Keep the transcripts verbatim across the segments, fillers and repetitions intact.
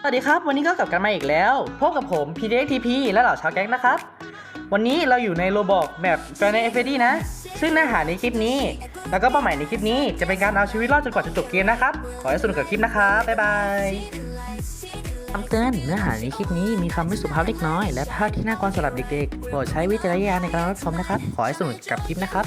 สวัสดีครับวันนี้ก็กลับกันมาอีกแล้วพบกับผม พี ดี เอ็กซ์ ที พี และเหล่าชาวแก๊งนะครับวันนี้เราอยู่ในโรบอกแบบแฟนใน เอฟ เอ ดี นะซึ่งเนื้อหาในคลิปนี้แล้วก็เป้าหมายในคลิปนี้จะเป็นการเอาชีวิตรอดจนกว่าจะจบเกมนะครับขอให้สนุกกับคลิปนะครับบ๊ายบายคำเตือนเนื้อหาในคลิปนี้มีคำไม่สุภาพเล็กน้อยและภาพที่น่ากลัวสำหรับเด็กๆโปรดใช้วิจารณญาณในการรับชมนะครับขอให้สนุกกับคลิปนะครับ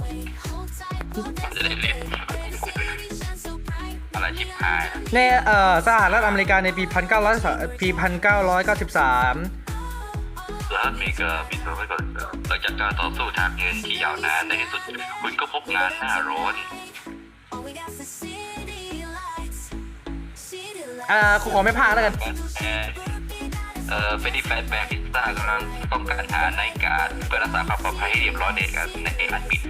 อะไรชิบหายในเอ่อสหรัฐอเมริกาในปีพันเก้าร้อยปีพันเก้าร้อยเก้าสิบสามสหรัฐอเมริกาปีสองพันเก้าสิบสามหลังจากการต่อสู้ทางเงินที่ยาวนานในที่สุดคุณก็พบงานหน้าร้อนอ่าขอไม่พลาดแล้วกันเอ่อเฟรดดี้แฟตแบร์พิซซ่ากำลังต้องการหาในการเพื่อรักษาความปลอดภัยให้เรียบร้อยในการในการปิด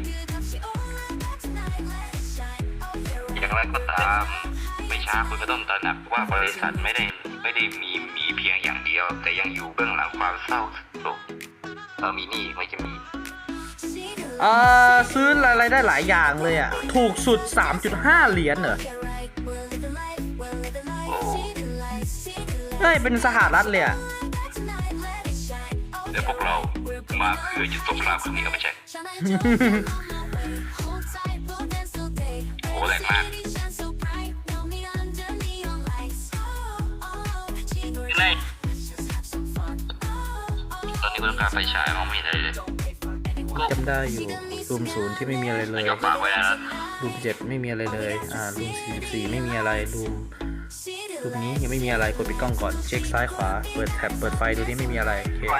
อย่างไรก็ตามไม่ช้าคุณก็ต้องตระหนักว่าบริษัทไม่ได้ไม่ได้มีมีเพียงอย่างเดียวแต่ยังอยู่เบื้องหลังความเศร้าโศกเออมีนี่ไม่จะมีเอ่อซื้ออะไรได้หลายอย่างเลยอ่ะถูกสุด สามจุดห้า เหรียญเหรอโอ้เฮ้ยเป็นสหรัฐเลยอ่ะแล้วพวกเรามาเพื่อหยุดสงครามครั้งนี้ก็ไม่ใช่โอ้แรงมากตอนนี้กูต้องการไฟฉายมองไม่เห็นอะไรเลยจำได้อยู่รูมศูนย์ที่ไม่มีอะไรเลยยกปากไว้แล้วรูมเจ็ดไม่มีอะไรเลยอ่ารูมสี่สิบสี่ไม่มีอะไรรูมรูมนี้ยังไม่มีอะไรกดปิดกล้องก่อนเช็คซ้ายขวาเปิดแท็บเปิดไฟดูที่ไม่มีอะไรโอเค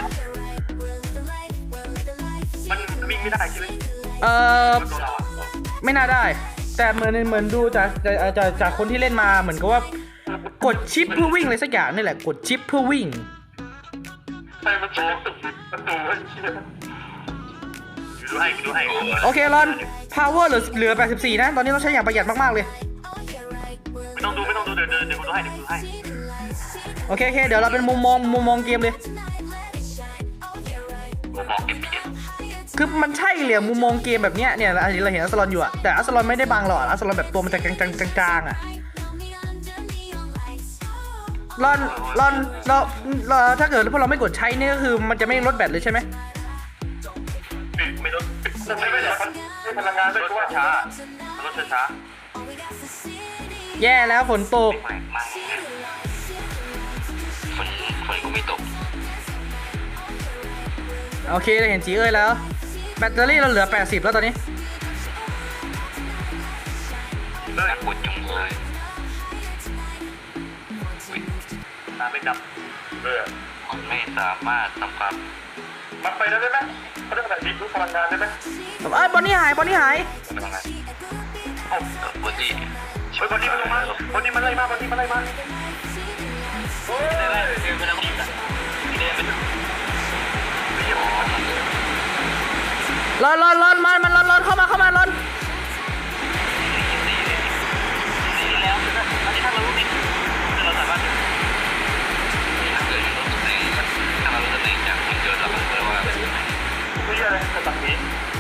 มันวิ่งไม่ได้ใช่ไหมเอ่อไม่น่าได้แต่เหมือนเหมือนดูจากจากจากคนที่เล่นมาเหมือนกับว่ากดชิปเพื่อวิ่งเลยสักอย่างนี่แหละกดชิปเพื่อวิ่งใช่มันโตมันโตดูให้ดูให้โอเครอน power เหลือเหลือแปดสิบสี่นะตอนนี้ต้องใช้อย่างประหยัดมากๆเลยไม่ต้องดูไม่ต้องดูเดี๋ยวเดี๋ยวกูดูให้เดี๋ยวกูดูให้โอเคโอเคเดี๋ยวเราเป็นมุมมองมุมมองเกมเลยมุมมองเกมคือมันใช่เลยมุมมองเกมแบบเนี้ยเนี่ยเราเห็นอัสลอนอยู่อะแต่อัสลอนไม่ได้บังหรอกอัสลอนแบบตัวมันจะกลางๆกลางๆอะรอนรอนเราเราถ้าเกิดพวกเราไม่กดใช้นี่ก็คือมันจะไม่ลดแบตเลยใช่ไหมไม่ลดไม่ไม่เลยพลังงานเป็นว่าช้าลดช้าแย่แล้วฝนตกฝนฝนก็ไม่ตกโอเคเราเห็นจีเอ้ยแล้วแบตเตอรี่เราเหลือแปดสิบแล้วตอนนี้เลิกปวดจุงเลยตาไม่ดับเออมันไม่สามารถทำความมันไปได้ไหมเขาได้แบบนี้รู้พลังงานได้ไหมเอ้ยบอนนี่หายบอนนี่หายพลังงานโอ้บอนนี่เฮ้ยบอนนี่มันลงมาบอนนี่มันไล่มาบอนนี่มันไล่มาโอ้ยไล่เดินไปทางนี้กันเดินไปดูรอนรอนรอนมันมันรอนรอนเข้ามาเข้ามารอนแล้วอันนี้ถ้าเรารู้ดิเราสามารถถ้าเกิดเรารู้ในถ้าเรารู้ในจากที่เกิดเราก็รู้ว่าเป็นยังไงไม่ใช่อะไรแต่ตัดนี้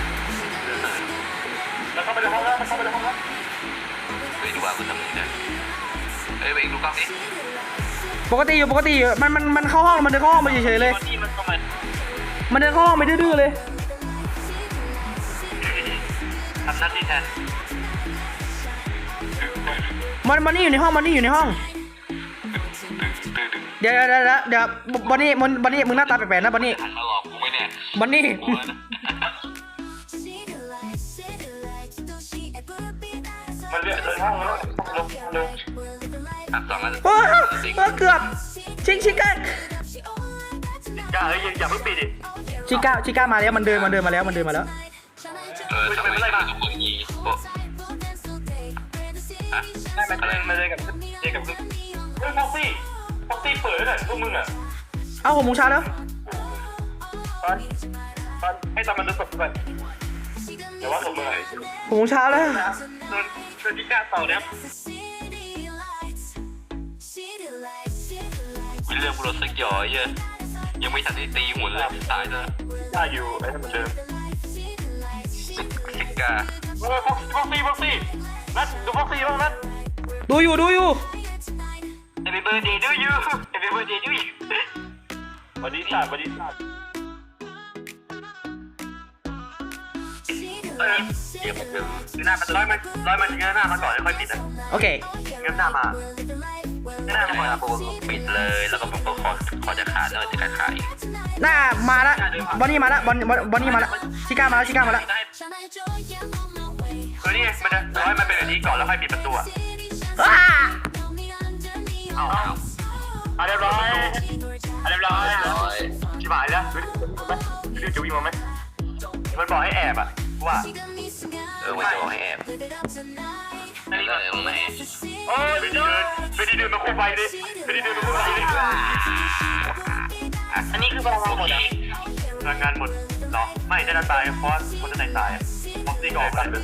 แล้วเข้าไปในห้องแล้วเข้าไปในห้องแล้วไปดูว่าคุณทำยังไงเอ้ยไปดูกล้องดิปกติอยู่ปกติอยู่มันมันมันเข้าห้องมันเดินเข้าห้องไปเฉยๆเลยมันเดินเข้าห้องไปดื้อๆเลยทำหน้าที่แทนมันมันนี่อยู่ในห้องมันนี่อยู่ในห้องเดี๋ยวเดี๋ยวเดี๋ยวเดี๋ยวบอนนี่มันบอนนี่มึงหน้าตาแปลกๆนะบอนนี่หันมาหลอกกูไหมเนี่ยบอนนี่มันเรียกเลยห้องแล้วลงลงอ่ะสองอันโอ้เกือบชิงชิก้าชิก้าเฮ้ยอย่าเพิ่งปิดดิชิก้าชิก้ามาแล้วมันเดินมันเดินมาแล้วมันเดินมาแล้วเออทำไมไม่ไล่มาทุกคนงี้โอ้ฮะได้มาเลยมาเลยกับเจกับคือเฮ้ยฟ็อกซี่ฟ็อกซี่เปิดเลยพวกมึงอ่ะเอ้าหกโมงเช้าแล้วตอนตอนให้ตอนมันจะสดไปเดี๋ยวว่าสดเมื่อไหร่หกโมงเช้าแล้วโดนโดนที่กล้าต่อเนี่ยมีเรื่องพวกเราสักหย่อยเยอะยังไม่ทันได้ตีหัวเลยตายแล้วตายอยู่ไอ้เหมือนเดิมสิกาเออฟ็อกซี่ฟ็อกซี่ฟ็อกซี่นัดดูฟ็อกซี่บ้างนัดดูอยู่ดูอยู่ไอ้ Happy birthday to you Happy birthday to you วันนี้ศาสตร์วันนี้ศาสตร์เออเดี๋ยวมันจะคือหน้ามันร้อยมันร้อยมันเงยหน้ามาก่อนแล้วค่อยปิดนะโอเคเงยหน้ามาเงยหน้ามาก่อนผมปิดเลยแล้วก็ผมก็ขอขอจะขาดแล้วจะขาดขาดอีกหน้ามาละบอนนี่มาละบอนบอนบอนนี่มาละชิก้ามาละชิก้ามาละคือนี่มันจะร้อยมันเป็นแบบนี้ก่อนแล้วค่อยปิดประตูอ่ะอ้าเอาเอาเอาเรียบร้อยเอาเรียบร้อยชิบหายแล้วดูจะวิ่งมาไหมมันบอกให้แอบอ่ะว่าเออมันจะบอกให้แอบนี่ก็เลยไม่โอ้ยไปดีเดินไปดีเดินมาคุมไฟดิไปดีเดินมาคุมไฟดิอันนี้คือพลังงานหมดอ่ะพลังงานหมดหรอไม่จะตายเพราะคนจะตายตายอ่ะฟ็อกซี่ก็ออกกันเลย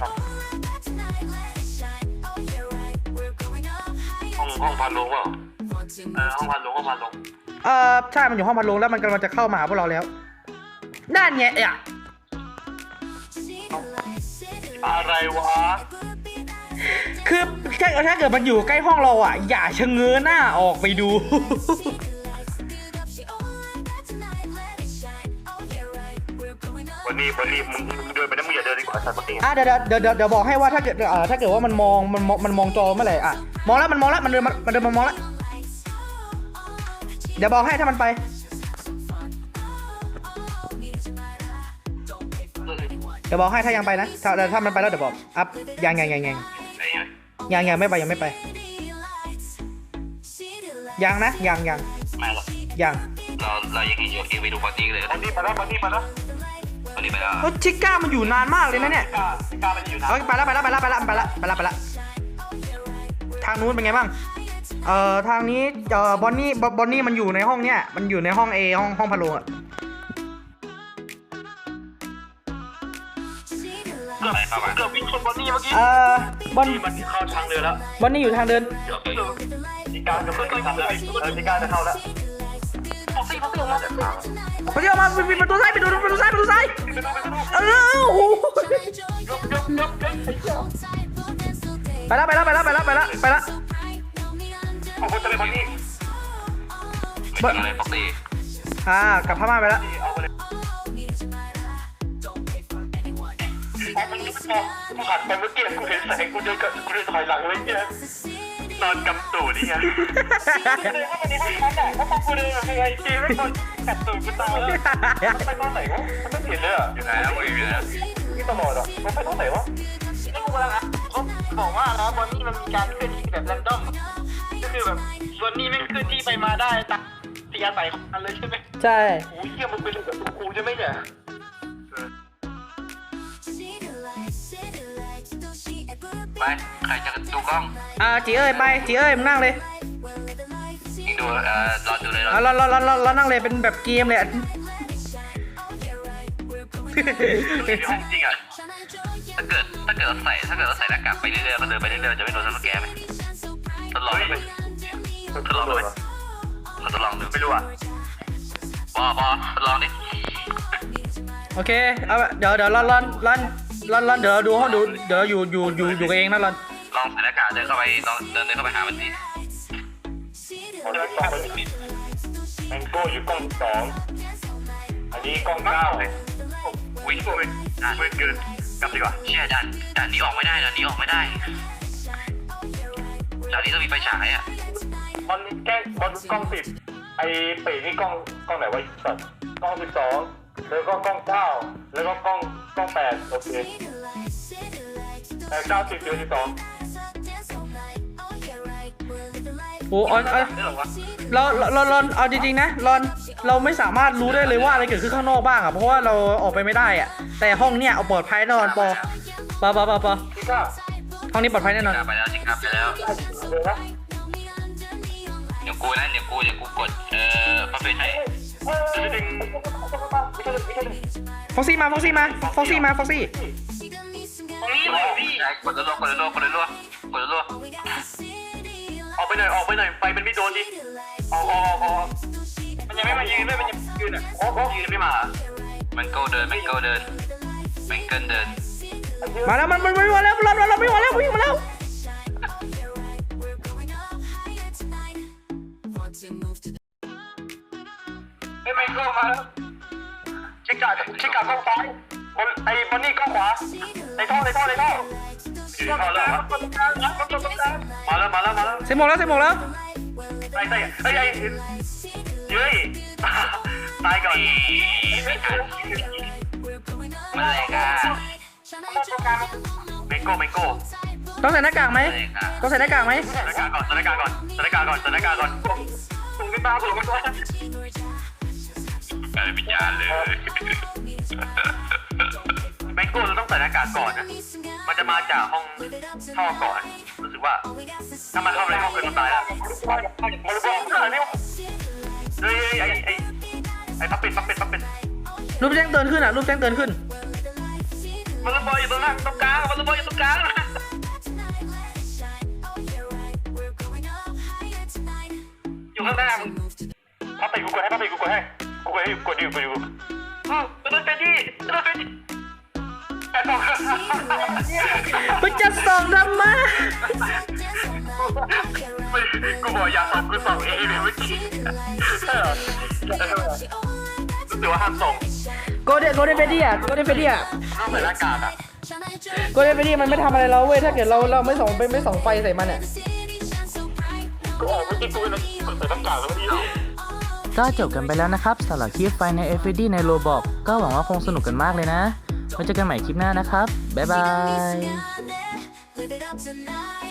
ห้องห้องพันลงเปล่าเออห้องพันลงห้องพันลงเออใช่มันอยู่ห้องพัดลมแล้วมันกำลังจะเข้ามาหาพวกเราแล้วนั่นไงอ่ะอะไรวะคือถ้าถ้าเกิดมันอยู่ใกล้ห้องเราอ่ะอย่าชะเง้อหน้าออกไปดูวันนี้วันนี้มึงมึงเดินไปนะมึงอย่าเดินดีกว่าสัตว์ปกติอ่ะเดี๋ยวเดี๋ยวเดี๋ยวเดี๋ยวบอกให้ว่าถ้าเกิดเอ่อถ้าเกิดว่ามันมองมันมองมันมองจอเมื่อไหร่อ่ะมองแล้วมันมองแล้วมันเดินมันมันเดินมามองแล้วเดี๋ยวบอกให้ถ้ามันไปเดี๋ยวบอกให้ถ้ายังไปนะถ้าถ้ามันไปแล้วเดี๋ยวบอกอัพยังยังยังยังยังยังไม่ไปยังไม่ไปยังนะยังยังไม่หรอกยังเราเรายังเห็นอยู่เองไปดูปาร์ตี้เลยปาร์ตี้ไปแล้วปาร์ตี้ไปแล้วปาร์ตี้ไปแล้วเฮ้ยชิก้ามันอยู่นานมากเลยนะเนี่ยกาก้ามันอยู่นะเฮ้ยไปแล้วไปแล้วไปแล้วไปแล้วไปแล้วไปแล้วไปแล้วทางนู้นเป็นไงบ้างเอ่อทางนี้เอ่อบอนนี่บอนนี่มันอยู่ในห้องเนี้ยมันอยู่ในห้อง A ห้องห้องพะโลงอะเกือบเข้ามาเกือบวิ่งชนบอนนี่เมื่อกี้เอ่อบอนนี่มันเข้าทางเดินแล้วบอนนี่อยู่ทางเดินเดี๋ยวชิก้าจะเพิ่งทำเลยเออชิก้าจะเข้าแล้วฟ็อกซี่ฟ็อกซี่ออกมาพอดีออกมาปิดประตูซ้ายปิดประตูประตูซ้ายประตูซ้ายเออโอ้โหไปแล้วไปแล้วไปแล้วไปแล้วไปแล้วไปแล้วขอบคุณจะเป็นบอนนี่ไม่ทำอะไรฟ็อกซี่อ่ากลับพม่าไปแล้วเอาไปเลยพอมันลุกพอกูหันไปเมื่อกี้กูเห็นแสงกูเดินกับกูเดินถอยหลังเลยเนี่ยนอนกำตูดนี่ไงเลยว่าวันนี้ให้ฉันอ่ะก็พอกูเดินยังไงจีไม่คนกัดตูดกูตายแล้วไปตอนไหนวะมันไม่เห็นเลยอ่ะอยู่ไหนแล้วอยู่ไหนนี่ตลอดอ่ะมันไปตอนไหนวะนี่กูกำลังอ่ะเขาบอกว่านะบอนนี่มันมีการเคลื่อนที่แบบแรนดอมก็คือแบบบอนนี่ไม่เคลื่อนที่ไปมาได้ตามที่อาศัยของมันเลยใช่ไหมใช่โอ้ยเหี้ยมันเป็นเรื่องกับกูใช่ไหมเนี่ยไปใครจะดูกล้องอ่าจีเอ้ยไปจีเอ้ยมึงนั่งเลยยิงดูเอ่อรอดูเลยอ่ะเราเราเราเราเรานั่งเลยเป็นแบบเกมเลยอะห้องจริงอ่ะถ้าเกิดถ้าเกิดเราใส่ถ้าเกิดเราใส่หน้ากากไปเรื่อยๆก็เดินไปเรื่อยๆจะไม่โดนสแกนไหมทดลองไหมทดลองดูไหมเราทดลองดูไม่รู้อ่ะปอปอทดลองดิโอเคเอาเดี๋ยวเดี๋ยวรอนรอนรอนรอนรอนเดี๋ยวเราดูห้องดูเดี๋ยวเราอยู่อยู่อยู่อยู่กันเองนะรอนลองใส่หน้ากากเดินเข้าไปลองเดินเดินเข้าไปหามันดิแมงโก้อยู่กล้องสองอันนี้กล้องเก้าวิ่งไปวิ่งเกินกลับดีกว่าเชี่ยด่านด่านนี้ออกไม่ได้ด่านนี้ออกไม่ได้ด่านนี้ต้องมีไฟฉายอ่ะบอลแก้บอลกล้องสิบไอ้เป๋นี่กล้องกล้องไหนวะสัตว์กล้องสิบสองแล้วก็กล้องเก้าแล้วก็กล้องกล้องแปดโอเคแต่เก้าสิบเดือนสิบสองโอ้เอาเอาเราเราเราเราเอาจริงๆนะรอนเราไม่สามารถรู้ได้เลยว่าอะไรเกิดขึ้นข้างนอกบ้างอ่ะเพราะว่าเราออกไปไม่ได้อ่ะแต่ห้องเนี้ยเอาปลอดภัยแน่นอนปอปอปอปอปอห้องนี้ปลอดภัยแน่นอนไปแล้วจริงครับไปแล้วเดี๋ยวกูนะเดี๋ยวกูเดี๋ยวกูกดเอ่อพอเป็นให้ฟ็อกซี่มาฟ็อกซี่มาฟ็อกซี่มาฟ็อกซี่ตรงนี้เลยพี่กดรัวกดรัวกดรัวกดรัวออกไปหน่อยออกไปหน่อยไฟมันไม่โดนดิออกออกออกมันยังไม่มายืนด้วยมันยังยืนอ่ะโอ้โหยืนไม่มามันโก้เดินมันโก้เดินมันเกินเดินมาแล้วมันมันไม่มาแล้วรอนรอนเราไม่มาแล้ววิ่งมาแล้วไอ้ไมเคิลมาแล้วชิกาชิกากล้องซ้ายคนไอ้บอนนี่กล้องขวาในท่อในท่อในท่ออยู่ในท่อแล้วครับมาแล้วมาแล้วมาแล้วเซมโมงแล้วเซมโมงแล้วไอ้ไอ้ไอ้ไอ้เย้ยตายก่อนไม่ทันมันแหลกอ่ะเมโก้เมโก้ต้องใส่หน้ากากไหมแหลกอ่ะต้องใส่หน้ากากไหมสถานการณ์ก่อนสถานการณ์ก่อนสถานการณ์ก่อนสถานการณ์ก่อนส่งขึ้นมาส่งขึ้นมากลายเป็นวิญญาณเลยเมโก้เราต้องใส่หน้ากากก่อนนะมันจะมาจากห้องท่อก่อนรู้สึกว่าถ้ามันเข้าในห้องเกินตายแล้วมันรู้ว่าอะไรเนี่ยเฮ้ยไอ้ไอ้ไอ้พับเป็ดพับเป็ดพับเป็ดรูปแจ้งเตือนขึ้นอ่ะรูปแจ้งเตือนขึ้นมันระเบิดอยู่ตรงนั้นตรงกลางมันระเบิดอยู่ตรงกลางอยู่ข้างหน้ามึงพับเป็ดกูกดให้พับเป็ดกูกดให้กูกดให้กดดิวกดดิวอือจะเป็นที่จะเป็นที่แต่ต้องมันจะส่องทำไมกูบอกอย่าส่งกูส่งเองเลยเมื่อกี้ใช่เหรอรู้สึกว่าห้ามส่งโกลเด้นโกลเด้นเฟดดี้อ่ะโกลเด้นเฟดดี้อ่ะต้องใส่หน้ากากอ่ะโกลเด้นเฟดดี้มันไม่ทำอะไรเราเว้ยถ้าเกิดเราเราไม่ส่องไปไม่ส่องไฟใส่มันอ่ะกูออกเมื่อกี้กูเลยใส่หน้ากากแล้วเมื่อกี้ก็จบกันไปแล้วนะครับสำหรับคลิปไฟใน เอฟ เอฟ ดี ในโรบอกก็หวังว่าคงสนุกกันมากเลยนะไว้เจอกันใหม่คลิปหน้านะครับบ๊ายบาย